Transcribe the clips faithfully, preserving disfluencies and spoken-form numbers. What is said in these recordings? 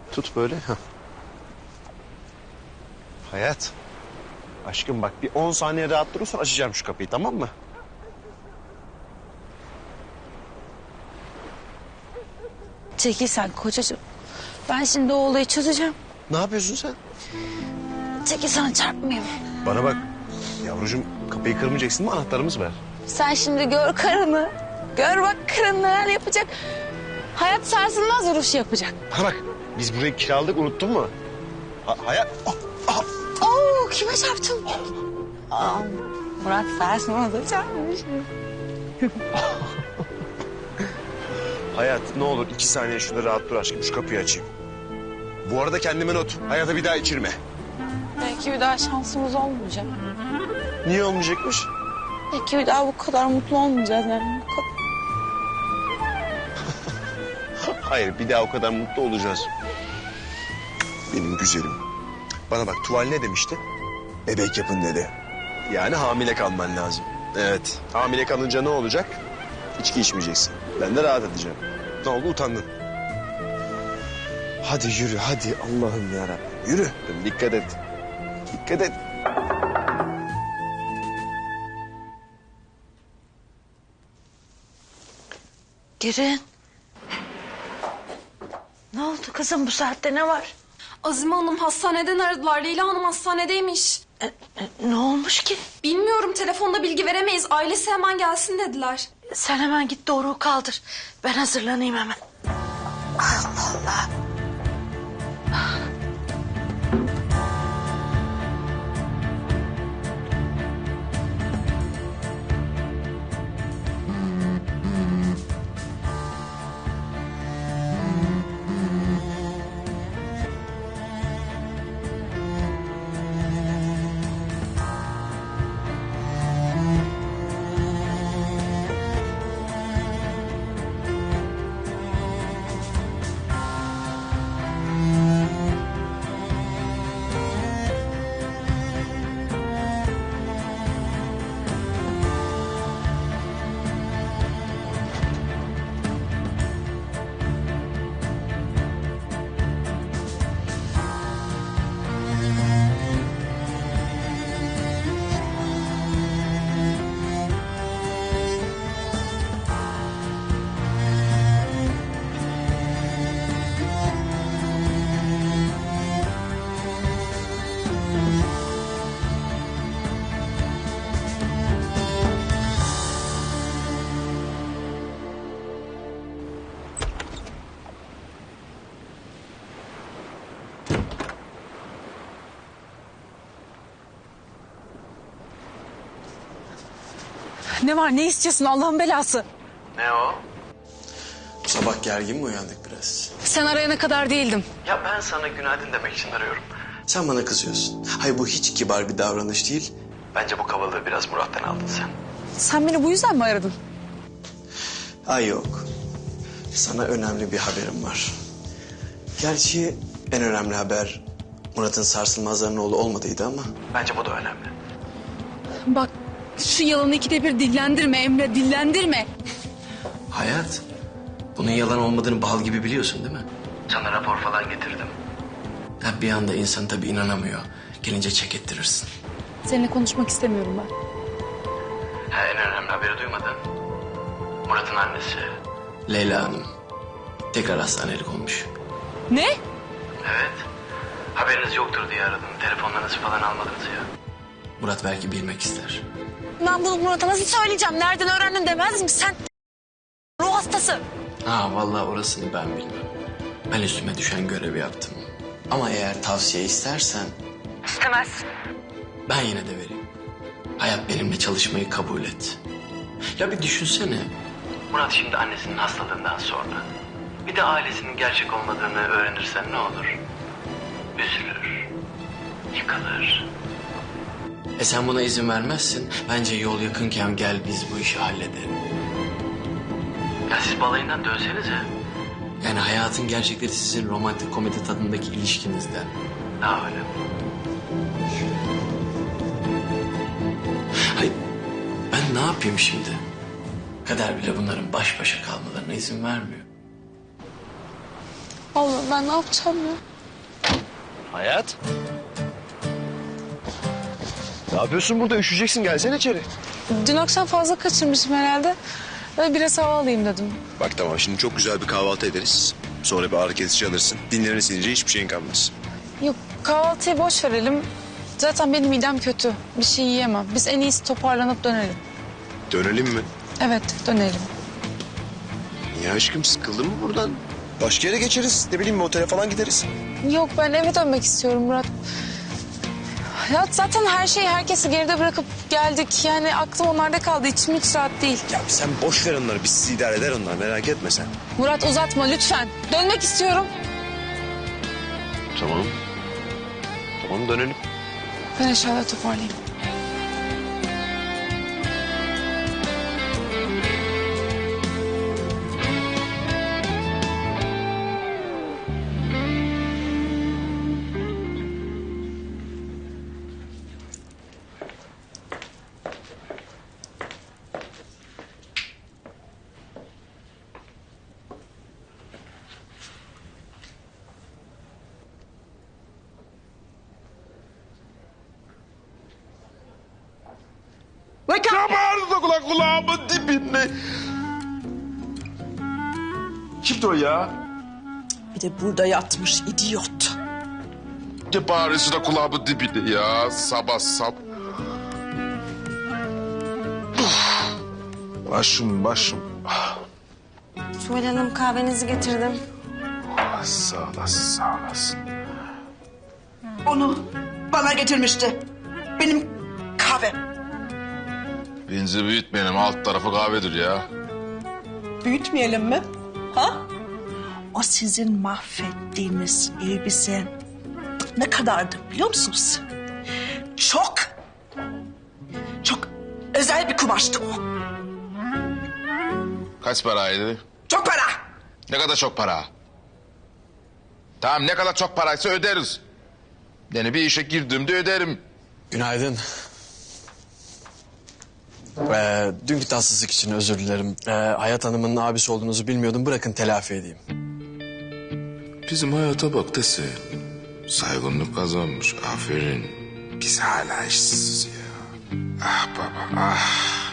Tut böyle. Heh. Hayat. Aşkım bak bir on saniye rahat durursan açacağım şu kapıyı, tamam mı? Çekil sen kocacığım. Ben şimdi o olayı çözeceğim. Ne yapıyorsun sen? Çekil sana çarpmayayım. Bana bak. Yavrucuğum kapıyı kırmayacaksın mı? Anahtarımız var. Sen şimdi gör karını. Gör bak karın neler yapacak. Hayat sarsılmaz vuruş yapacak. Bana bak. Biz burayı kiraladık, unuttun mu? Ha, hayat. Oh, oh. Oo kime çarptım? Aa, Murat sarsılmaz'a çarpmış. Hayat ne olur iki saniye şurada rahat dur aşkım. Şu kapıyı açayım. Bu arada kendime not. Hayata bir daha içirme. Belki bir daha şansımız olmayacak. Niye olmayacakmış? Belki bir daha bu kadar mutlu olmayacağız yani. Bu kadar. Hayır, bir daha o kadar mutlu olacağız. Benim güzelim. Bana bak, tuval ne demişti? Bebek yapın dedi. Yani hamile kalman lazım. Evet, hamile kalınca ne olacak? İçki içmeyeceksin. Ben de rahat edeceğim. Ne oldu, utandın. Hadi yürü, hadi Allah'ım yarabbim. Yürü, dikkat et. Dikkat et. Girin. Ne oldu kızım, bu saatte ne var? Azime Hanım hastaneden aradılar. Leyla Hanım hastanedeymiş. E, e, ne olmuş ki? Bilmiyorum, telefonda bilgi veremeyiz. Ailesi hemen gelsin dediler. Sen hemen git Doruk'u kaldır. Ben hazırlanayım hemen. Allah Allah. Ne var, ne istiyorsun Allah'ın belası? Ne o? Bu sabah gergin mi uyandık biraz? Sen arayana kadar değildim. Ya ben sana günaydın demek için arıyorum. Sen bana kızıyorsun. Hayır, bu hiç kibar bir davranış değil. Bence bu kabalığı biraz Murat'tan aldın sen. Sen beni bu yüzden mi aradın? Ay yok. Sana önemli bir haberim var. Gerçi en önemli haber Murat'ın sarsılmazların oğlu olmadıydı ama. Bence bu da önemli. Bak şu yalanı ikide bir dillendirme Emre, dillendirme. Hayat, bunun yalan olmadığını bal gibi biliyorsun değil mi? Sana rapor falan getirdim. Ha, bir anda insan tabii inanamıyor. Gelince çek ettirirsin. Seninle konuşmak istemiyorum ben. Ha, en önemli haberi duymadın. Murat'ın annesi Leyla Hanım tekrar hastanelik olmuş. Ne? Evet. Haberiniz yoktur diye aradım. Telefonlarınızı falan almadınız ya. Murat belki bilmek ister. Ben bunu Murat'a nasıl söyleyeceğim? Nereden öğrendin demez mi? Sen ruh hastası. Ha, vallahi orasını ben bilmem. Ben üstüme düşen görevi yaptım. Ama eğer tavsiye istersen... İstemez. Ben yine de vereyim. Hayat benimle çalışmayı kabul et. Ya bir düşünsene. Murat şimdi annesinin hastalığından sonra. Bir de ailesinin gerçek olmadığını öğrenirsen ne olur? Üzülür. Yıkılır. E sen buna izin vermezsin. Bence yol yakınken gel biz bu işi halledelim. Ya siz balayından dönsenize. Yani hayatın gerçekleri sizin romantik komedi tadındaki ilişkinizden daha önemli. Hayır, ben ne yapayım şimdi? Kader bile bunların baş başa kalmalarına izin vermiyor. Allah'ım ben ne yapacağım ya? Hayat. Ne yapıyorsun burada? Üşüyeceksin. Gelsene içeri. Dün akşam fazla kaçırmışım herhalde. Böyle biraz hava alayım dedim. Bak tamam, şimdi çok güzel bir kahvaltı ederiz. Sonra bir ağrı kesici alırsın. Dinlerini silince hiçbir şeyin kalmaz. Yok kahvaltıyı boş verelim. Zaten benim midem kötü. Bir şey yiyemem. Biz en iyisi toparlanıp dönelim. Dönelim mi? Evet dönelim. Ya aşkım, sıkıldın mı buradan? Başka yere geçeriz. Ne bileyim, bir otele falan gideriz. Yok ben eve dönmek istiyorum Murat. Ya zaten her şeyi herkesi geride bırakıp geldik. Yani aklım onlarda kaldı. İçim hiç rahat değil. Ya sen boş ver onları. Biz sizi idare eder onlar. Merak etme sen. Murat uzatma lütfen. Dönmek istiyorum. Tamam. Tamam, dönelim. Ben eşyaları toparlayayım. Yamarlı kulak kulağımın dibinde. Kimdi o ya? Bir de burada yatmış idiot. Ne bağırıyorsun da kulağımın dibinde ya? Sabah sab. Başım başım. Tuval Hanım kahvenizi getirdim. Ah, sağ olasın sağ olasın. Onu bana getirmişti. Benim kahvem. Benzi büyütmeyelim, alt tarafı kahvedir ya. Büyütmeyelim mi? Ha? O sizin mahvettiğiniz elbise ne kadardı biliyor musunuz? Çok, çok özel bir kumaştı o. Kaç paraydı? Çok para. Ne kadar çok para? Tamam, ne kadar çok paraysa öderiz. Yani bir işe girdiğimde öderim. Günaydın. Ee, dünkü tatsızlık için özür dilerim. Ee, Hayat Hanım'ın abisi olduğunuzu bilmiyordum. Bırakın telafi edeyim. Bizim hayata bak dese. Saygınlık kazanmış, aferin. Biz hala işsiziz ya. Ah baba, ah.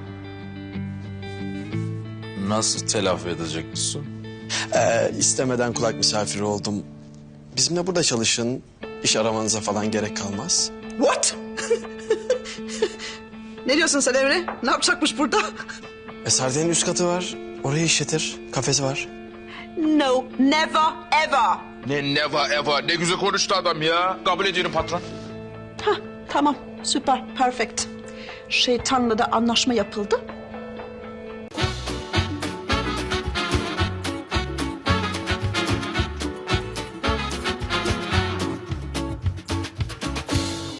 Nasıl telafi edeceksin? Ee, istemeden kulak misafiri oldum. Bizimle burada çalışın. İş aramanıza falan gerek kalmaz. What? Ne diyorsun sen Emre? Ne yapacakmış burada? Eserdeğin üst katı var. Orayı işletir. Kafesi var. No, never, ever. Ne neva eva, ne güzel konuştu adam ya. Kabul ediyorum patron. Hah, tamam, süper, perfect. Şeytanla da anlaşma yapıldı.